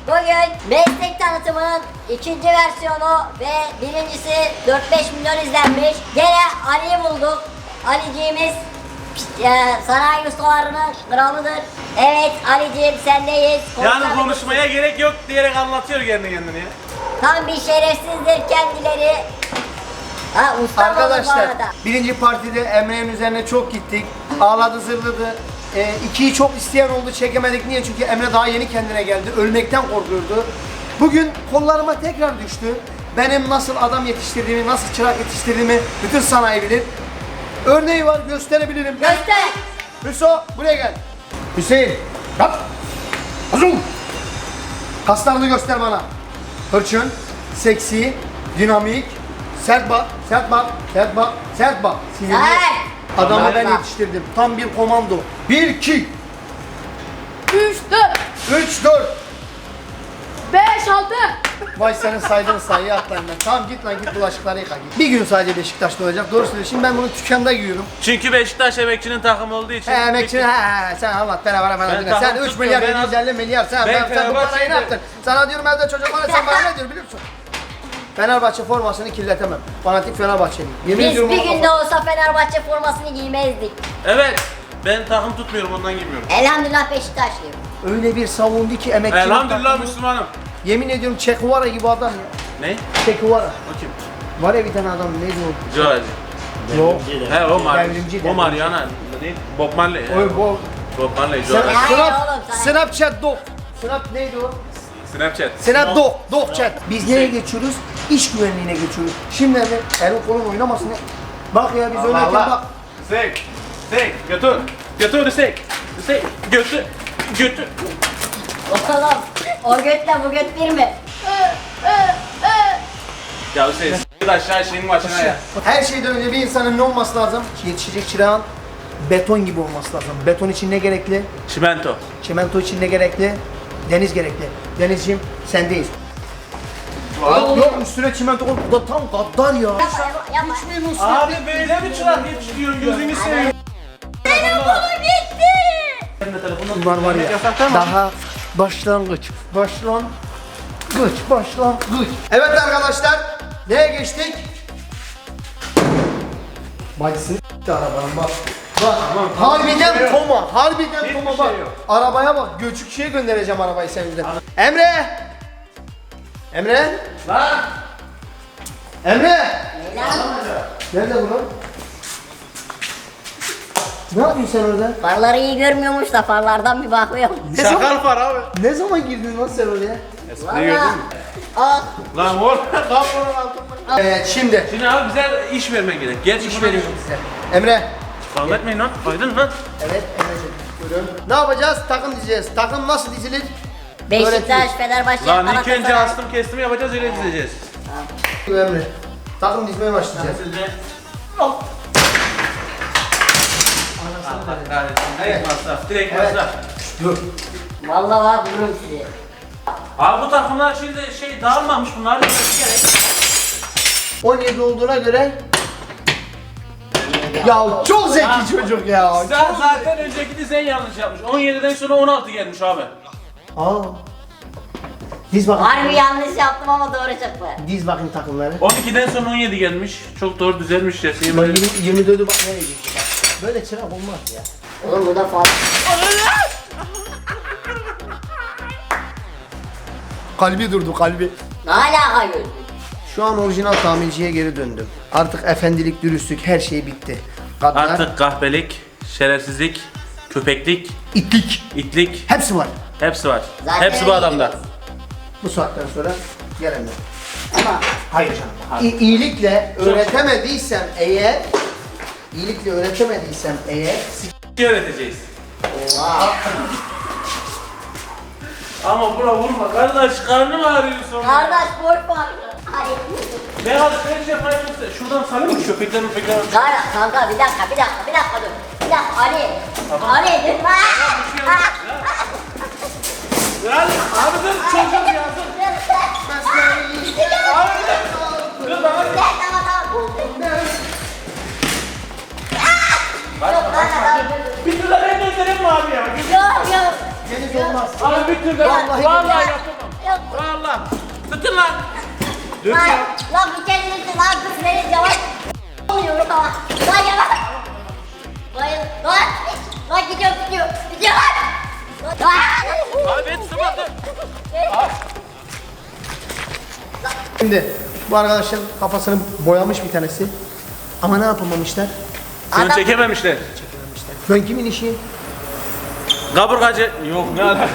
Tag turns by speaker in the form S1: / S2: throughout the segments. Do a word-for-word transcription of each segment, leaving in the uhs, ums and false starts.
S1: Bugün meslek tanıtımının ikinci versiyonu ve birincisi dört beş milyon izlenmiş. Gene Ali'yi bulduk. Aliciğimiz e, sanayi ustalarının kralıdır. Evet Aliciğim sendeyiz.
S2: Yani konuşmaya gerek yok diyerek anlatıyor kendi kendine ya.
S1: Tam bir şerefsizdir kendileri. Ha, usta
S3: Arkadaşlar birinci partide Emre'nin üzerine çok gittik. Ağladı zırladı. E, ikiyi çok isteyen oldu, çekemedik. Niye? Çünkü Emre daha yeni kendine geldi. Ölmekten korkuyordu. Bugün kollarıma tekrar düştü. Benim nasıl adam yetiştirdiğimi, nasıl çırak yetiştirdiğimi bütün sanayi bilir. Örneği var, gösterebilirim.
S1: Göster.
S3: Hüso buraya gel. Hüseyin kalk. Azum. Kaslarını göster bana. Hırçın, seksi, dinamik, sert bak, sert bak, sert bak, sert bak. Sinirli.
S1: Sert.
S3: Adamı ben
S1: Sert.
S3: yetiştirdim. Tam bir komando. Bir, iki,
S4: üç, dört,
S3: üç, dört.
S4: beş, altı.
S3: Vay senin saydığın sayıyı atlayın ben. Tamam git lan git bulaşıkları yıka git. Bir gün sadece Beşiktaş'ta olacak. Doğru söylüyorsun. Şimdi ben bunu dükkanda giyiyorum.
S2: Çünkü Beşiktaş emekçinin takımı olduğu için.
S3: He emekçi he he sen anlat bana bana bana
S2: Ben
S3: dinle.
S2: tamam,
S3: Sen üç
S2: tutmuyorum.
S3: milyar
S2: Ben
S3: yedi yüz elli milyar sen,
S2: Ben
S3: ben, sen bu parayı
S2: Fenerbahçe'yim
S3: ne
S2: de-
S3: yaptın? Sana diyorum evde çocuk var sen bana ne diyor biliyor musun? Fenerbahçe formasını kirletemem. Fanatik Fenerbahçeliyim. Yemin
S1: Biz
S3: ediyorum
S1: bir
S3: ona-
S1: günde olsa Fenerbahçe formasını giymezdik.
S2: Evet. Ben takım tutmuyorum ondan girmiyorum.
S1: Elhamdülillah Beşiktaşlıyım.
S3: Öyle bir savundu ki emekçi.
S2: Elhamdülillah Müslümanım.
S3: Yemin ediyorum Çekuvara gibi adam ya.
S2: Ne?
S3: Çekuvara.
S2: O kim?
S3: Var ya bir tane adam neydi o?
S2: George.
S3: Yok.
S2: He o Mar.
S3: Devrimci,
S2: O
S3: devrimci.
S2: Mariana. Ne? Bob Marley.
S3: Oy bu.
S2: Bob Marley.
S3: Sen,
S2: George.
S1: Ya,
S3: Snap,
S1: oğlum, sana-
S3: Snapchat dog. Snap neydi o?
S2: Snapchat.
S3: Snap dog, dog chat. Biz nereye geçiyoruz? İş güvenliğine geçiyoruz. Şimdi Emre, elin kolun oynamasın. ya. Bak ya biz
S2: Allah
S3: oynarken
S2: Allah.
S3: bak.
S2: Sek. Sek. Götür. Götür sek. Sek. Götür. Götür.
S1: Oğlum o götle bu göt bir mi?
S2: Ya Hüseyin s**t aşağı şeyin başına ya.
S3: Her şeyden önce bir insanın ne olması lazım? Yetişecek çırağın beton gibi olması lazım. Beton için ne gerekli?
S2: Çimento.
S3: Çimento için ne gerekli? Deniz gerekli. Denizciğim sendeyiz. Yok yok üstüne çimento koy. Bu da tam gaddar ya.
S1: Yapma yapma.
S3: Hiç memnunsun.
S2: Abi böyle mi çırak yetiştiriyorsun gözünü seveyim.
S3: Bunlar var ya daha başlangıç. Başlangıç. Başlangıç. Evet arkadaşlar neye geçtik? Bacısını s**t arabanın bak. Bak harbiden Toma. Harbiden
S2: Hiçbir
S3: Toma
S2: şey
S3: bak.
S2: yok.
S3: Arabaya bak. Göçükçüye göndereceğim arabayı senin yüzünden. Emre. Emre.
S2: Lan.
S3: Emre.
S1: Lan,
S3: Nerede bu lan? Ne yapıyorsun sen orada?
S1: farları iyi görmüyormuş da farlardan bir bakıyorum.
S3: Ne zaman,
S2: Şakal var abi.
S3: ne zaman girdin lan sen oraya?
S2: Espriyi gördün mü?
S1: Al.
S2: Lan oğlum. Kapının altında.
S3: Evet şimdi
S2: Şimdi abi bize iş vermen gerek. Geç
S3: iş veriyorum size. Emre.
S2: Kavga etmeyin lan. Aydın lan.
S3: Evet Emre'ciğim. Buyurun. Ne yapacağız? Takım dizeceğiz. Takım nasıl dizilir?
S1: Beşiktaş,
S3: Öğretiyoruz.
S1: Fenerbahçe,
S2: Lan ilk
S1: Galatasaray.
S2: önce astım kestim yapacağız öyle dizeceğiz.
S3: Emre. Takım dizmeye başlayacağız.
S2: Allah kahretsin. Direkt masraf. Direkt
S3: Evet.
S2: masraf.
S3: Dur.
S1: Vallahi var vururum sizi.
S2: Abi bu takımlar şimdi şey dağılmamış bunlar. Gerek.
S3: on yedi olduğuna göre ya çok zeki çocuk ya.
S2: Sen zaten önceki dizen yanlış yapmış. on yediden sonra on altı gelmiş abi.
S3: Aa. Diz bakayım.
S1: Harbi yanlış yaptım ama doğru çıktı.
S3: Diz bakayım takımları.
S2: on ikiden sonra on yedi gelmiş. Çok doğru düzelmiş ya. Şeyin
S3: Bak
S2: böyle.
S3: yirmi, yirmi dördü bak nereye gitti bak. Böyle çırak olmaz ya.
S1: Oğlum bu da fazla.
S3: Kalbi durdu kalbi.
S1: Ne alaka gözlük?
S3: Şu an orijinal tamirciye geri döndüm. Artık efendilik, dürüstlük her şey bitti. Kadınlar,
S2: Artık kahpelik, şerefsizlik, köpeklik,
S3: itlik.
S2: itlik
S3: Hepsi var.
S2: hepsi var.
S1: Zaten
S2: Hepsi bu
S1: öyle
S2: adamda.
S1: gidiyoruz.
S3: Bu saatten sonra gelemem.
S1: Ama
S3: Hayır canım. İ- iyilikle öğretemediysem eğer, iyilikle öğretemediysem eğer,
S2: Şey öğreteceğiz.
S1: oha.
S2: Ama buna vurma kardeş, karnım ağrıyor sonra.
S1: Kardeş boş var. Hayır.
S2: Ne alışveriş yapmayı unutma. Şuradan sarayım mı? Köpekler köpekler.
S1: Kanka, kanka bir dakika bir dakika bir dakika dur. Bir dakika Ali. Ali dur.
S2: Lan abi dur çocuğum ya dur. Abi dur. Dur bana.
S1: Tamam tamam. Yok kanka tamam.
S2: Bir türlü ben göndereyim mi abi ya?
S1: Yok yok.
S3: deniz olmaz.
S2: Abi bir türlü
S3: Vallahi
S2: vallahi yapamam.
S1: Yok.
S2: Allah. Tutun lan. Dök
S1: Lan,
S2: ya.
S1: lan bir kendisi lan kız beni yavaş. Oluyor ama. Lan yavaş. Lan, lan. Lan gidiyor gidiyor. Gidiyor lan. Lan.
S2: Abi ben tutamadım.
S3: Şimdi bu arkadaşın kafasını boyamış bir tanesi. Ama ne yapamamışlar?
S2: Şunu
S1: Adam-
S2: çekememişler.
S3: Fön kimin işi?
S2: Kaburgacı. Yok ne alaka.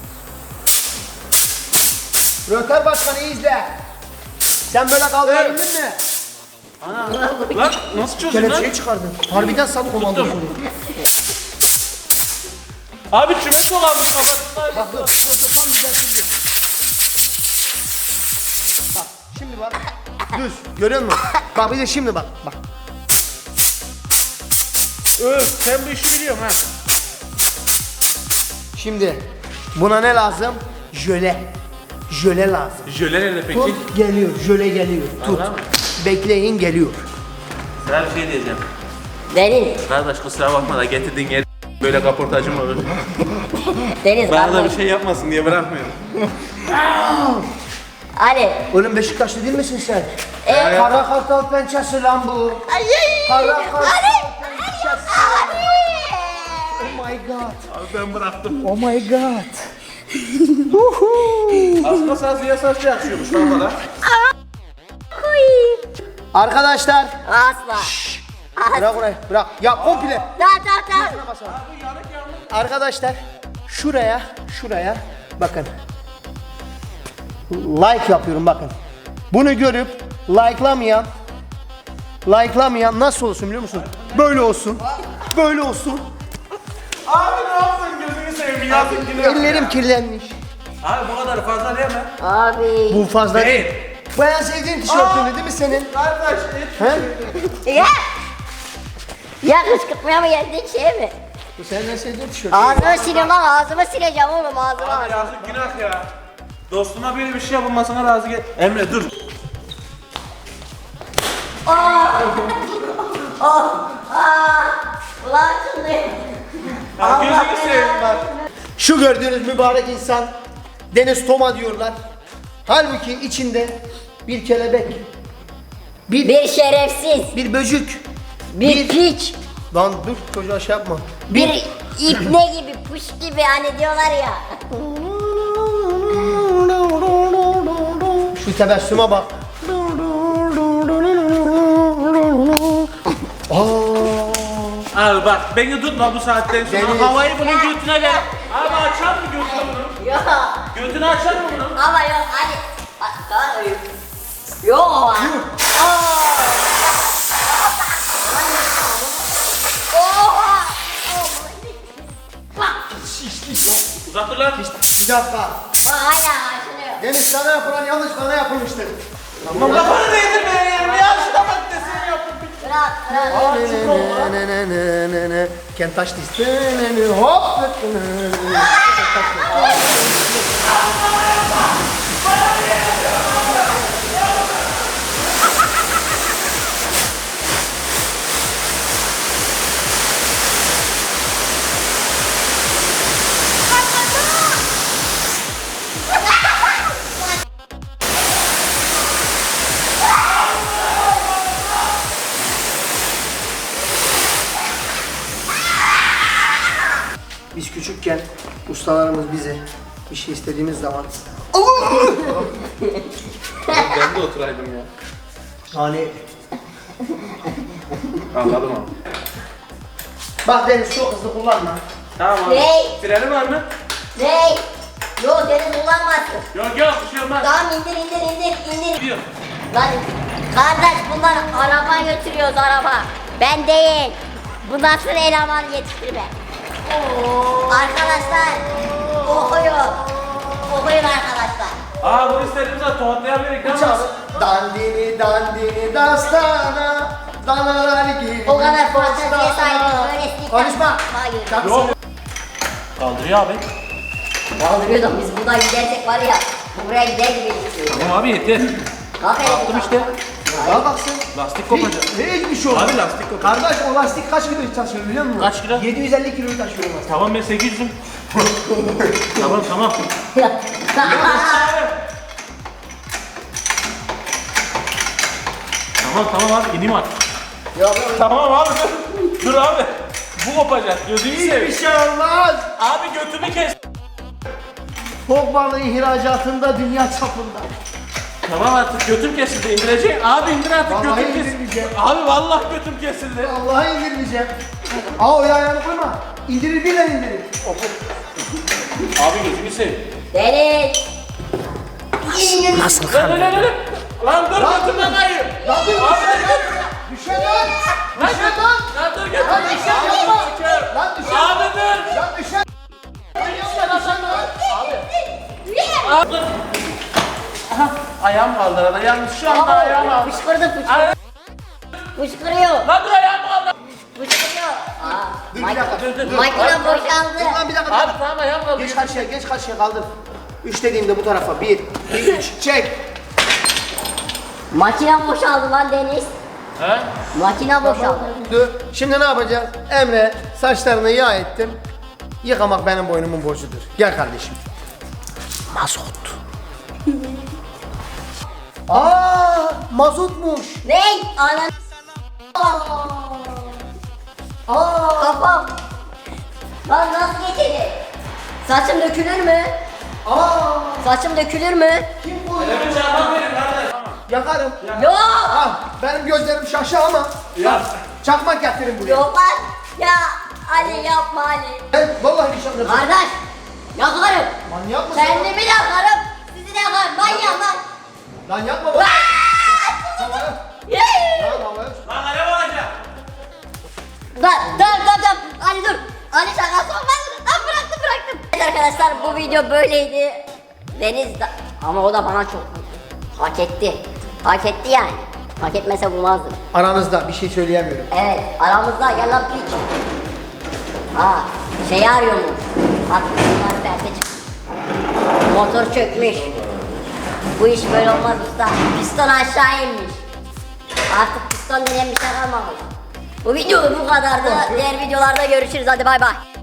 S3: Röter Başkanı iyi izle. Sen böyle kaldırabildin mi?
S2: Lan nasıl çözün lan?
S3: Kelepçeyi çıkardın. Harbiden sat komandosu.
S2: Abi çubuk mu kalmış kafasında?
S3: Bak dur, dur, dur, tam düzeltiyor. Bak, şimdi bak. Düz, görüyor musun? Bak bir de şimdi bak, bak.
S2: Öf sen bu işi biliyorsun ha.
S3: Şimdi buna ne lazım? Jöle. Jöle lazım.
S2: Jöle nerede peki?
S3: Tut, geliyor, jöle geliyor. Tut.
S2: Vallahi mi?
S3: Bekleyin, geliyor.
S2: Sana bir şey diyeceğim.
S1: Deniz.
S2: Kardeş kusura bakma da getirdiğin yer böyle kaportacım olur.
S1: Deniz
S2: Bana da bir
S1: kardeş.
S2: şey yapmasın diye bırakmıyorum.
S1: Ali.
S3: Oğlum Beşiktaşlı değil misin sen?
S1: Ee?
S3: Kara kartal pençesi lan bu.
S1: Ay.
S3: Kara kartal
S1: Ali.
S3: pençesi.
S1: Ali.
S3: Oh my god.
S2: Abi ben bıraktım.
S3: Oh my god.
S2: Aslında saz yasası yakışıyormuş lan bana.
S3: Arkadaşlar.
S1: Asla.
S3: Bırak orayı, bırak. Ya komple.
S1: Tamam tamam tamam.
S3: Arkadaşlar şuraya, şuraya bakın. Like yapıyorum bakın. Bunu görüp like'lamayan like'lamayan nasıl olsun biliyor musun? Böyle olsun. Böyle olsun.
S2: Abi ne yaptın gözünü seveyim yazık günah.
S3: Ellerim kirlenmiş.
S2: Abi bu kadar fazla değil mi?
S1: Abi.
S3: Bu fazla değil.
S2: Değil.
S3: Bu en sevdiğin tişörtün değil mi senin?
S2: Kardeş
S3: He?
S1: Ya. Ya kışkırtmaya mı geldik şey mi?
S3: Bu senin en sevdiğin tişört.
S1: Ağzımı sileyim lan ağzımı sileceğim oğlum ağzımı
S2: Abi
S1: ağzımı.
S2: yazık günah ya. Dostuma böyle bir şey yapılmasına razı gel. Emre dur.
S1: Ulan şimdi.
S2: Ya gözünü seveyim bak.
S3: Şu gördüğünüz mübarek insan Deniz Toma diyorlar. Halbuki içinde bir kelebek, bir
S1: Bir şerefsiz.
S3: bir böcük,
S1: Bir piç.
S3: lan dur çocuğa şey yapma.
S1: Bir ipne gibi puş gibi hani diyorlar ya.
S3: Şu tebessüme bak. Aa,
S2: Abi bak beni tutma bu saatten sonra.
S3: Deniz.
S2: Havayı bunun götüne ver. Abi açar mı götünü bunun?
S1: Yok.
S2: Götünü açar mı bunun?
S1: Ama yok hadi. Daha öyle. Yok. Oha.
S2: Uzak dur lan.
S3: bir dakika.
S1: Bak hala açılıyor.
S3: Deniz sana yapılan yanlış bana yapılmıştır.
S2: Tamam kafanı değdirme ya. Ya şu da bak deseni yaptım.
S1: Bırak bırak.
S3: Can't touch this. Hop. Biz küçükken ustalarımız bize bir şey istediğimiz zaman
S2: Ben de oturaydım ya.
S3: hani
S2: Anladım abi.
S3: bak Deniz çok hızlı kullanma.
S2: Tamam abi.
S1: Ney?
S2: Freni var mı?
S1: Ne? Yok deniz kullanmazsın.
S2: Yok yok bir şey olmaz.
S1: Tamam indir indir indir indir.
S2: Gidiyor.
S1: Lan kardeş bunlar araba götürüyoruz araba. Ben değil. Bu nasıl eleman yetiştirme? Arkadaşlar okuyun. Okuyun arkadaşlar.
S2: Aa bunu istediğimiz zaman tohutlayabiliriz değil mi abi?
S3: Dandini dandini dastana danalar gibi.
S1: O kadar fanteziye
S3: dastana.
S1: sahip böyle istikrar-
S3: Konuşma.
S1: Hayır.
S3: Şarkı
S2: Yok.
S3: söyle.
S2: Kaldırıyor abi.
S1: Kaldırıyor da biz buradan gidersek var ya. Bu buraya gider gibi gidiyor.
S2: Tamam abi yeter.
S1: Kalk
S2: Yaptım işte.
S3: Daha baksın.
S2: Lastik kopacak.
S3: Ne hiçbir şey olmaz.
S2: Abi lastik kopacak.
S3: Kardeş o lastik kaç kilo taşıyor biliyor musun?
S2: Kaç kilo?
S3: yedi yüz elli kilo taşıyor o lastik.
S2: Tamam ben sekiz yüzüm. Tamam tamam. Tamam tamam abi ineyim artık.
S1: Yok yok.
S2: Tamam abi dur. Dur abi. Bu kopacak. Gözünü
S3: Hiçbir
S2: seveyim.
S3: şey olmaz.
S2: Abi götümü kes.
S3: Fok balığı ihracatında dünya çapında.
S2: Tamam artık götüm kesildi. İndirecek. Abi indir artık
S3: Vallahi
S2: götüm kesildi.
S3: indirmeyeceğim.
S2: Abi vallahi götüm kesildi.
S3: Allah'a indirmeyeceğim. Aa o ayağını koyma. İndirir birden indirir.
S2: Abi gözünü seveyim.
S1: Deniz.
S2: Lan lan lan lan. Lan dur götümden kayıyor.
S3: Lan dur
S2: Abi
S3: düşer. Düşer lan.
S2: Lan
S3: Düşer lan.
S2: Lan dur götüm.
S3: Lan düşer
S2: Abi,
S3: yapma.
S2: çıkar.
S3: Lan düşer.
S2: Abi dur.
S3: Lan düşer.
S2: Abi dur. Aha ayağım kaldı arada. Yalnız şu anda ayağım
S1: Aa,
S2: kaldı.
S1: fışkırdı fışkırdı.
S2: Ay-
S1: Fışkırıyor.
S2: Lan dur ayağım kaldı.
S1: Fışkırıyor. Aa,
S3: Dur bir dakika.
S2: Dur dur dur.
S1: makine
S3: Dur lan
S1: boşaldı.
S3: bir dakika. Bir
S2: Abi
S3: dakika.
S2: tamam ayağım kaldı.
S3: Geç karşıya, geç karşıya kaldır. Üç dediğimde bu tarafa. Bir, bir, üç. Çek.
S1: Makine boşaldı lan Deniz.
S2: He?
S1: Makine boşaldı.
S3: Dur. Şimdi ne yapacağız? Emre saçlarını yağ ettim. Yıkamak benim boynumun borcudur. Gel kardeşim. Mazot. Aa, mazotmuş.
S1: Ne? Anan. Aa, kafam. Lan nasıl geçecek? Saçım dökülür mü?
S3: Aa,
S1: Saçım dökülür mü?
S3: kim bu?
S2: Elimi çarpmak verin kardeş.
S3: Yakarım.
S1: Yok.
S3: Ah, benim gözlerim şaşı ama.
S2: Ya.
S3: Çakmak getirin buraya.
S1: Yok lan. Ya Ali yapma Ali.
S3: Ben vallahi bir şey yapacağım.
S1: Kardeş. Yakarım.
S3: Manyak mısın?
S1: Kendimi de yakarım. Sizi de yakarım. Manyak lan.
S3: Lan yapma bak. Havaya.
S1: Yey!
S3: Lan havaya.
S2: Lan alev alacağım.
S1: Dur dur dur dur. Ali dur. Ali şakası olmaz. Lan bıraktım bıraktım. Evet arkadaşlar bu video böyleydi. Deniz da... Ama o da bana çok hak etti. Hak etti yani. Hak etmese bulmazdım.
S3: Aranızda bir şey söyleyemiyorum.
S1: Evet aramızda gel lan piç. Ha şeyi arıyormuş. Bak bunlar perde çıktı. Motor çökmüş. Bu iş böyle olmaz usta. Piston aşağı inmiş. Artık piston denen bir şey kalmamış. Bu video bu kadardı. Diğer videolarda görüşürüz. Hadi bay bay.